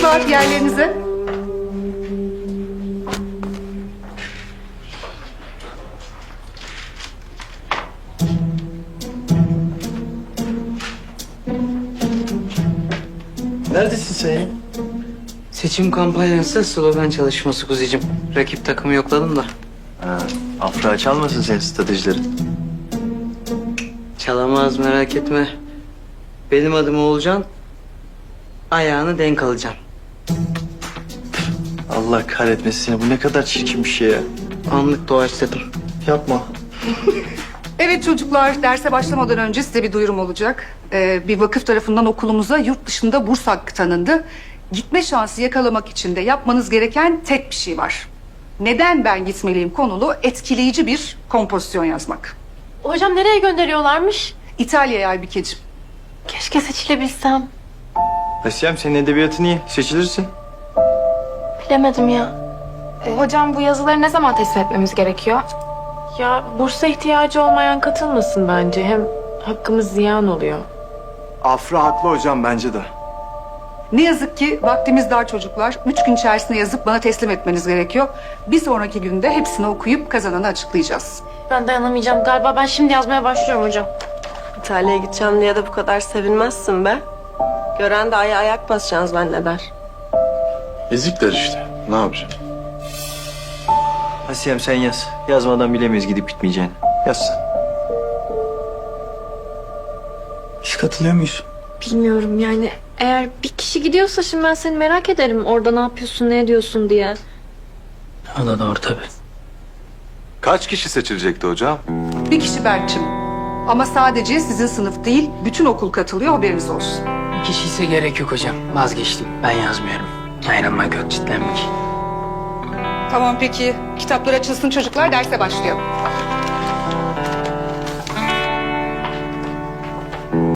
çocuklar yerlerinize. Neredesin sen ya? Seçim kampanyası slogan çalışması kuzicim. Rakip takımı yokladım da. Ha, Afra çalmasın senin stratejilerin. Çalamaz merak etme. Benim adım Oğulcan. Ayağını denk alacaksın. Allah kahretmesin seni. Bu ne kadar çirkin bir şey ya. Anlık doğaçladım. Yapma. Evet çocuklar, derse başlamadan önce size bir duyurum olacak. Bir vakıf tarafından okulumuza yurt dışında burs hakkı tanındı. Gitme şansı yakalamak için de yapmanız gereken tek bir şey var. Neden ben gitmeliyim konulu etkileyici bir kompozisyon yazmak. Hocam nereye gönderiyorlarmış? İtalya'ya Aybikeciğim. Keşke seçilebilsem. Asiyem senin edebiyatın iyi. Seçilirsin. Bilemedim ya. Hocam bu yazıları ne zaman teslim etmemiz gerekiyor? Ya bursa ihtiyacı olmayan katılmasın bence. Hem hakkımız ziyan oluyor. Afra haklı hocam bence de. Ne yazık ki vaktimiz dar çocuklar. 3 gün içerisinde yazıp bana teslim etmeniz gerekiyor. Bir sonraki günde hepsini okuyup kazananı açıklayacağız. Ben dayanamayacağım galiba. Ben şimdi yazmaya başlıyorum hocam. İtalya'ya gideceğim diye de bu kadar sevinmezsin be. Gören de ayak basacağız zanneder. Ezikler işte. Ne yapacaksın? Asiyem sen yaz. Yazmadan bilemeyiz gidip gitmeyeceğini. Yaz sen. Biz katılıyor muyuz? Bilmiyorum yani. Eğer bir kişi gidiyorsa şimdi ben seni merak ederim. Orada ne yapıyorsun, ne ediyorsun diye. O da doğru tabii. Kaç kişi seçilecekti hocam? Bir kişi Berk'cim. Ama sadece sizin sınıf değil, bütün okul katılıyor, haberiniz olsun. Bir kişi ise gerek yok hocam. Vazgeçtim. Ben yazmıyorum. Ayrılma gökçitlenmek. Tamam peki. Kitaplar açılsın çocuklar, derse başlayalım.